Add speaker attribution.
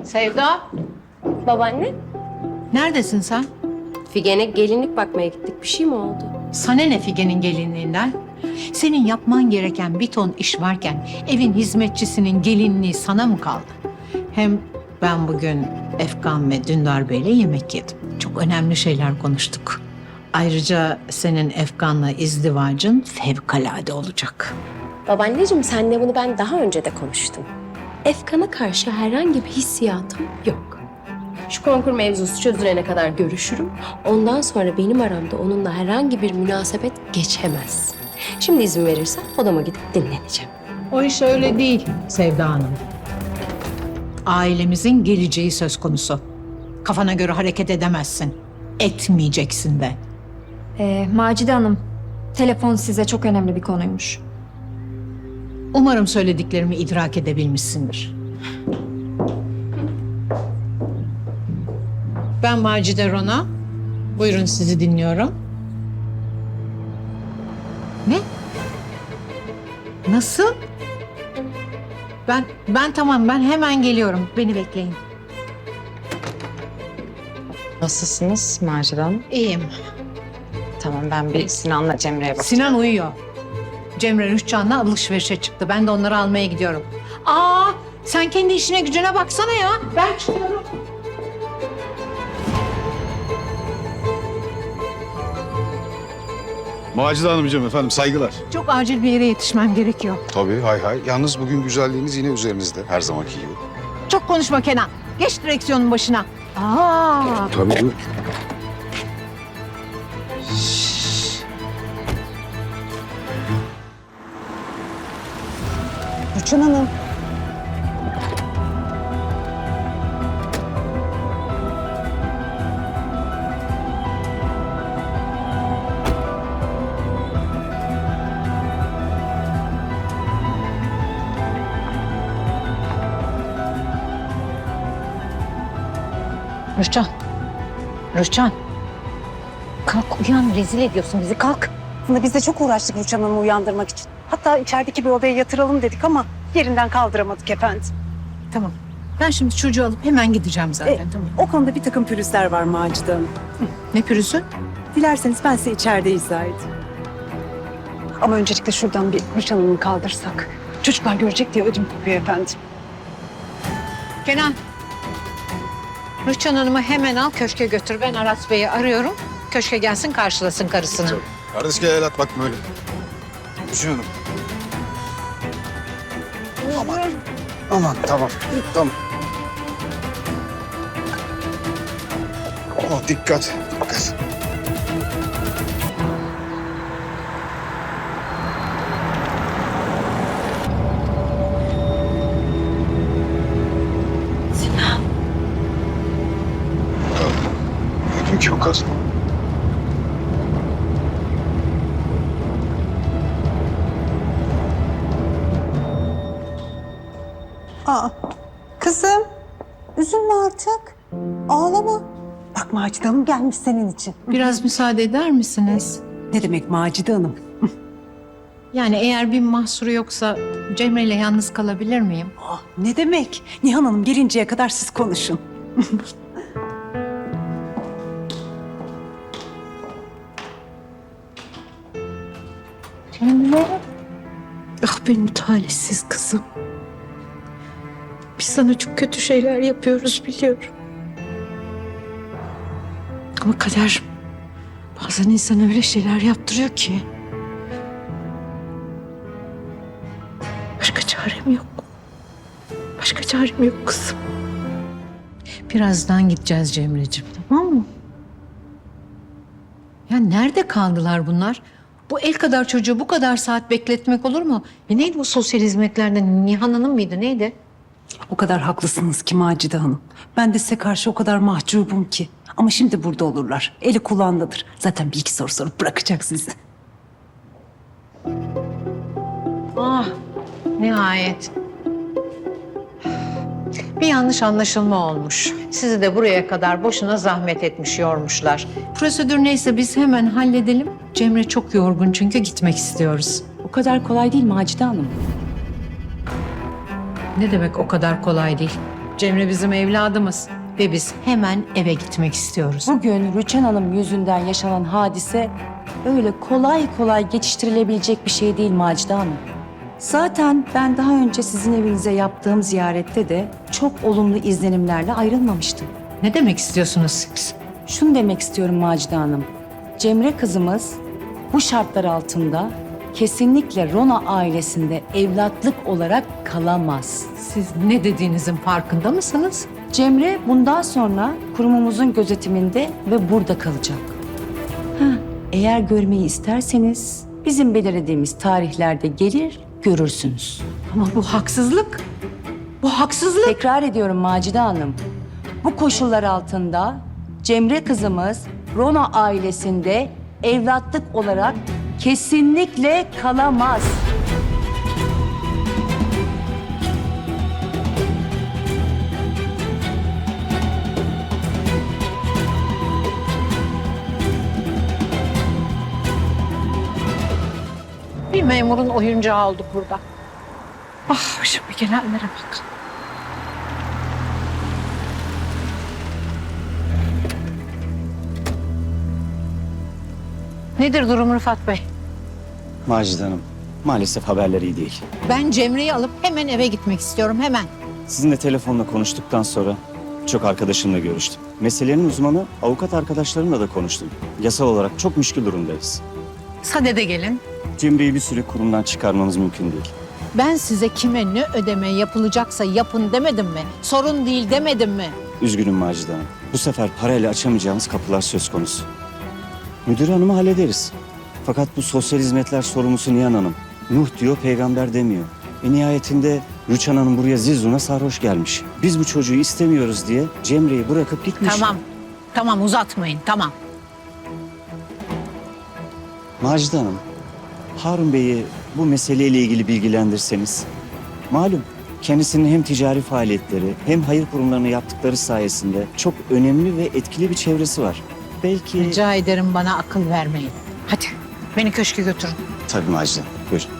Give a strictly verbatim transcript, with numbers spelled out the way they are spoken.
Speaker 1: Sevda,
Speaker 2: Babaanne,
Speaker 1: neredesin sen?
Speaker 2: Figen'e gelinlik bakmaya gittik. Bir şey mi oldu?
Speaker 1: Sana ne Figen'in gelinliğinden? Senin yapman gereken bir ton iş varken evin hizmetçisinin gelinliği sana mı kaldı? Hem ben bugün Efkan ve Dündar Bey'le yemek yedim. Çok önemli şeyler konuştuk. Ayrıca senin Efkan'la izdivacın fevkalade olacak.
Speaker 2: Babaanneciğim, senle bunu ben daha önce de konuştum. Efkan'a karşı herhangi bir hissiyatım yok. Şu konkur mevzusu çözülene kadar görüşürüm. Ondan sonra benim aramda onunla herhangi bir münasebet geçemez. Şimdi izin verirsen odama gidip dinleneceğim.
Speaker 1: O iş öyle değil Sevda Hanım. Ailemizin geleceği söz konusu. Kafana göre hareket edemezsin. Etmeyeceksin de.
Speaker 3: Ee, Macide Hanım, telefon size çok önemli bir konuymuş.
Speaker 1: Umarım söylediklerimi idrak edebilmişsindir. Ben Macide Rona. Buyurun, sizi dinliyorum. Ne? Nasıl? Ben ben tamam, ben hemen geliyorum. Beni bekleyin.
Speaker 4: Nasılsınız Macide Hanım?
Speaker 1: İyiyim.
Speaker 4: Tamam, ben bir Sinan'la Cemre'ye bakacağım.
Speaker 1: Sinan uyuyor. Cemre Rüçhan'la alışverişe çıktı. Ben de onları almaya gidiyorum. Aa, sen kendi işine gücüne baksana ya. Ben çıkıyorum.
Speaker 5: Macide Hanımcığım efendim saygılar.
Speaker 1: Çok acil bir yere yetişmem gerekiyor.
Speaker 5: Tabii hay hay. Yalnız bugün güzelliğiniz yine üzerinizde her zamanki gibi.
Speaker 1: Çok konuşma Kenan. Geç direksiyonun başına. Aa,
Speaker 5: Tabii buyur.
Speaker 6: Rüçhan Hanım.
Speaker 1: Rüçhan. Rüçhan. Kalk uyan, rezil ediyorsun bizi, kalk.
Speaker 6: Aslında biz de çok uğraştık Rüçhan Hanım'ı uyandırmak için. Hatta içerideki bir odaya yatıralım dedik ama yerinden kaldıramadık efendim.
Speaker 1: Tamam. Ben şimdi çocuğu alıp hemen gideceğim zaten.
Speaker 6: E,
Speaker 1: tamam.
Speaker 6: O konuda bir takım pürüzler var Macide Hanım.
Speaker 1: Ne pürüzü?
Speaker 6: Dilerseniz ben size içeride izah edeyim. Ama öncelikle şuradan bir Rüçhan Hanım'ı kaldırsak. Çocuklar görecek diye ödüm kopuyor efendim.
Speaker 1: Kenan. Rüçhan Hanım'ı hemen al, köşke götür. Ben Aras Bey'i arıyorum. Köşke gelsin, karşılasın karısını.
Speaker 5: Tabii. Kardeş gel el at bakma öyle. Rüçhan Hanım. Aman. Aman tamam. Tamam. Oh, dikkat. Dikkat. Sinan. Ödüm ki o kadın.
Speaker 6: Aa, kızım üzülme artık. Ağlama. Bak Macide Hanım gelmiş senin için.
Speaker 1: Biraz müsaade eder misiniz?
Speaker 6: Ne demek Macide Hanım?
Speaker 1: Yani eğer bir mahsuru yoksa Cemre ile yalnız kalabilir miyim?
Speaker 6: Ah, ne demek? Nihan Hanım gelinceye kadar siz konuşun.
Speaker 1: Cemre. Ah benim talihsiz kızım. Biz sana çok kötü şeyler yapıyoruz biliyorum. Ama kader bazen insana öyle şeyler yaptırıyor ki. Başka çarem yok. Başka çarem yok kızım. Birazdan gideceğiz Cemre'ciğim, tamam mı? Ya nerede kaldılar bunlar? Bu el kadar çocuğu bu kadar saat bekletmek olur mu? E neydi bu sosyal hizmetlerden? Nihan Hanım mıydı, neydi?
Speaker 6: O kadar haklısınız ki Macide Hanım. Ben de size karşı o kadar mahcubum ki. Ama şimdi burada olurlar. Eli kulağındadır. Zaten bir iki soru sorup bırakacak sizi.
Speaker 1: Ah, nihayet. Bir yanlış anlaşılma olmuş. Sizi de buraya kadar boşuna zahmet etmiş, yormuşlar. Prosedür neyse biz hemen halledelim. Cemre çok yorgun çünkü gitmek istiyoruz.
Speaker 7: O kadar kolay değil Macide Hanım.
Speaker 1: Ne demek o kadar kolay değil? Cemre bizim evladımız ve biz hemen eve gitmek istiyoruz.
Speaker 7: Bugün Rüçhan Hanım yüzünden yaşanan hadise öyle kolay kolay geçiştirilebilecek bir şey değil Macide Hanım. Zaten ben daha önce sizin evinize yaptığım ziyarette de çok olumlu izlenimlerle ayrılmamıştım.
Speaker 1: Ne demek istiyorsunuz siz?
Speaker 7: Şunu demek istiyorum Macide Hanım. Cemre kızımız bu şartlar altında kesinlikle Rona ailesinde evlatlık olarak kalamaz.
Speaker 1: Siz ne dediğinizin farkında mısınız?
Speaker 7: Cemre bundan sonra kurumumuzun gözetiminde ve burada kalacak. Ha, eğer görmeyi isterseniz bizim belirlediğimiz tarihlerde gelir görürsünüz.
Speaker 1: Ama bu haksızlık. Bu haksızlık.
Speaker 7: Tekrar ediyorum Macide Hanım. Bu koşullar altında Cemre kızımız Rona ailesinde evlatlık olarak kesinlikle kalamaz.
Speaker 1: Bir memurun oyuncağı olduk burada. Ah başıma gelenlere bak. Nedir durum Rıfat Bey?
Speaker 8: Macide Hanım, maalesef haberler iyi değil.
Speaker 1: Ben Cemre'yi alıp hemen eve gitmek istiyorum, hemen.
Speaker 8: Sizinle telefonla konuştuktan sonra çok arkadaşımla görüştüm. Meselenin uzmanı avukat arkadaşlarımla da konuştum. Yasal olarak çok müşkül durumdayız.
Speaker 1: Sadede gelin.
Speaker 8: Cemre'yi bir süre kurumdan çıkarmamız mümkün değil.
Speaker 1: Ben size kime ne ödeme yapılacaksa yapın demedim mi? Sorun değil demedim mi?
Speaker 8: Üzgünüm Macide Hanım. Bu sefer parayla açamayacağımız kapılar söz konusu. Müdür hanımı hallederiz. Fakat bu sosyal hizmetler sorumlusu Nihan Hanım. Nuh diyor, peygamber demiyor. Ve nihayetinde Rüçhan Hanım buraya zizuna sarhoş gelmiş. Biz bu çocuğu istemiyoruz diye Cemre'yi bırakıp gitmiş.
Speaker 1: Tamam, tamam uzatmayın, tamam.
Speaker 8: Macide Hanım, Harun Bey'i bu meseleyle ilgili bilgilendirseniz. Malum kendisinin hem ticari faaliyetleri hem hayır kurumlarını yaptıkları sayesinde çok önemli ve etkili bir çevresi var. Belki...
Speaker 1: Rica ederim bana akıl vermeyin. Hadi beni köşke götürün.
Speaker 8: Tabii Macide Hanım, buyurun.